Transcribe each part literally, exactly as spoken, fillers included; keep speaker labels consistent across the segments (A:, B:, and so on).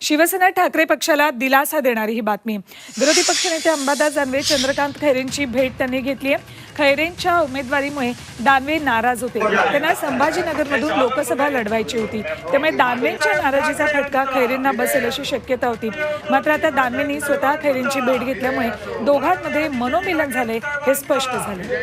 A: शिवसेना ठाकरे पक्षाला दिलासा देणारी ही बातमी। विरोधी पक्षनेते अंबादास दानवे चंद्रकांत खैरेंची भेट त्यांनी घेतली आहे। खैरेंच्या उमेदवारीमुळे दानवे नाराज होते। त्यांना संभाजीनगरमधून लोकसभा लढवायची होती, त्यामुळे दानवेंच्या नाराजीचा फटका खैरेंना बसेल अशी शक्यता होती। मात्र आता दानवेंनी स्वतः खैरेंची भेट घेतल्यामुळे दोघांमध्ये मनोमिलन झाले हे स्पष्ट झाले।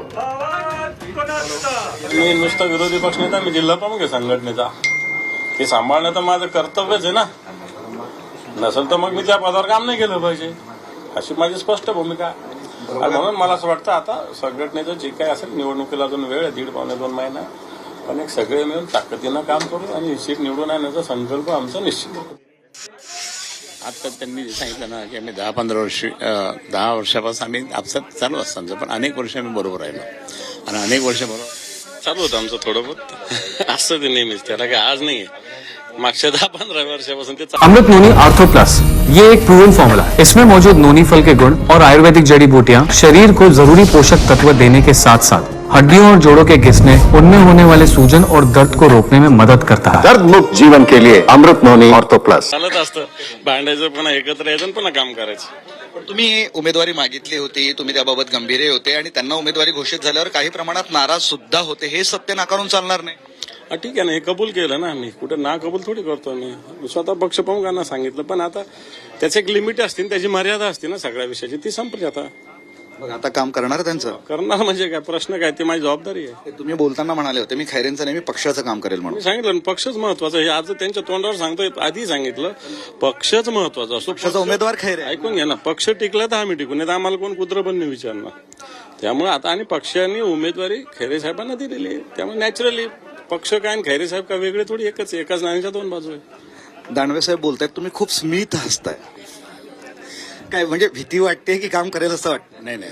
B: मी नुसता विरोधी पक्षनेता, मी जिल्हा प्रमुख आहे संघटनेचा। ते सांभाळणं तर माझं कर्तव्यच आहे ना, नसेल तर मग मी त्या पदावर काम नाही केलं पाहिजे, अशी माझी स्पष्ट भूमिका आहे। आणि म्हणून मला असं वाटतं आता संघटनेचं जे काही असेल, निवडणुकीला अजून वेळ आहे, दीड पावणे दोन महिना, पण एक सगळे मिळून ताकदीनं काम करू आणि सीट निवडून आणण्याचा संकल्प आमचा निश्चित आहे।
C: आता त्यांनी सांगितलं ना की आम्ही दहा पंधरा वर्ष दहा वर्षापासून आम्ही आपसात चालू असताना पण अनेक वर्ष आम्ही बरोबर राहिलो आणि अनेक वर्ष बरोबर
B: चालू होतं आमचं थोडं बहुत असतं ते नेहमीच, त्याला काय आज नाहीये, मागच्या दहा पंद्रह वर्षापासून ते।
D: अमृत नोनी आर्थो प्लस ये एक प्रूवन फॉर्मूला है। इसमें मौजूद नोनी फल के गुण और आयुर्वेदिक जड़ी बूटियां शरीर को जरूरी पोषक तत्व देने के साथ साथ हड्डियों और जोड़ों के घिसने, उनमें होने वाले सूजन और दर्द को रोकने में मदद करता है।
E: दर्द मुक्त जीवन के लिए अमृत नोनी आर्थो प्लस।
B: चालत असतं, भांडायचं पुन्हा एकत्र यायचं पुन्हा काम करायचं।
F: पण तुम्ही उमेदवारी मागितली होती, तुम्ही त्याबाबत गंभीर होते आणि त्यांना उमेदवारी घोषित झाल्यावर काही प्रमाणात नाराज सुद्धा होते, हे सत्य नाकारून चालणार नाही।
B: ठीक आहे ना, हे कबूल केलं ना आम्ही, कुठे ना कबूल थोडी करतो मी, स्वतः पक्षप्रमुखांना सांगितलं, पण आता त्याचे एक लिमिट असते, त्याची मर्यादा असते ना सगळ्या विषयाची, ती संपली आता।
F: मग आता काम करणार त्यांचं
B: करणार म्हणजे काय, प्रश्न काय, ती माझी जबाबदारी आहे।
F: तुम्ही बोलताना म्हणाले होते मी खैरेंचं नेहमी पक्षाचं काम करेल म्हणून।
B: मी सांगितलं पक्षच महत्वाचा आहे, आज त्यांच्या तोंडावर सांगतोय, आधी सांगितलं पक्षच महत्वाचा असतो,
F: पक्षाचा उमेदवार खैरे।
B: ऐकून घ्या ना, पक्ष टिकला तर आम्ही टिकून, नाही तर आम्हाला कोण कुत्र पण नाही विचारणार। त्यामुळे आता आणि पक्षाने उमेदवारी खैरे साहेबांना दिलेली आहे, त्यामुळे नॅचरली पक्ष काय आणि खैरे साहेब का वेगळे थोडी, एकच एकाच नाण्याच्या दोन बाजू आहे।
F: दानवे साहेब बोलतायत, तुम्ही खूप स्मित हसताय, काय म्हणजे भीती वाटते की काम करेल असं वाटतं?
C: नाही नाही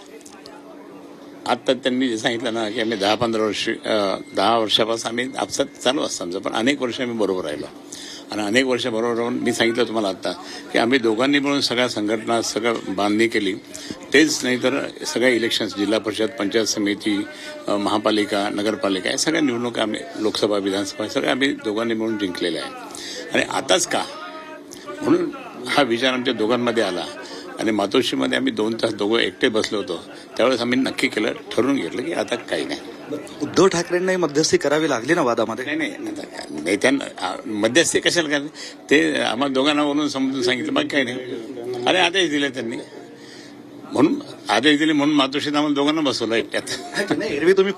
C: आता त्यांनी सांगितलं ना की आम्ही दहा पंधरा वर्ष दहा वर्षापासून आम्ही आपसात चालू असताना पण अनेक वर्ष आम्ही बरोबर राहिलो आणि अनेक वर्ष बरोबर राहून मी सांगितलं तुम्हाला आता की आम्ही दोघांनी मिळून सगळ्या संघटना सगळं बांधणी केली। तेच नाही तर सगळ्या इलेक्शन्स, जिल्हा परिषद, पंचायत समिती, महापालिका, नगरपालिका, या सगळ्या निवडणुका आम्ही, लोकसभा, विधानसभा, सगळ्या आम्ही दोघांनी मिळून जिंकलेल्या आहे। आणि आताच का म्हणून हा विचार आमच्या दोघांमध्ये आला आणि मातोश्रीमध्ये आम्ही दोन तास दोघं एकटे बसलो होतो, त्यावेळेस आम्ही नक्की केलं, ठरवून घेतलं की आता काही नाही।
F: उद्धव ठाकरेंनाही मध्यस्थी करावी लागली ना वादामध्ये?
C: नाही नाही नेत्यांना मध्यस्थी कशाला काय, ते आम्हाला दोघांना बोलून समजून सांगितलं, बाकी काही नाही। अरे आदेश दिले त्यांनी, म्हणून आदेश दिले म्हणून मातोश्रीत आम्हाला दोघांना बसवलं एकट्यात।
F: नाही, एरवी तुम्ही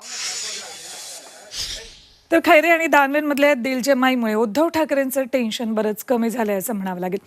A: तर खैरे आणि दानवेंमधल्या दिलजमाईमुळे उद्धव ठाकरेंचं टेन्शन बरंच कमी झालंय असं म्हणावं लागेल।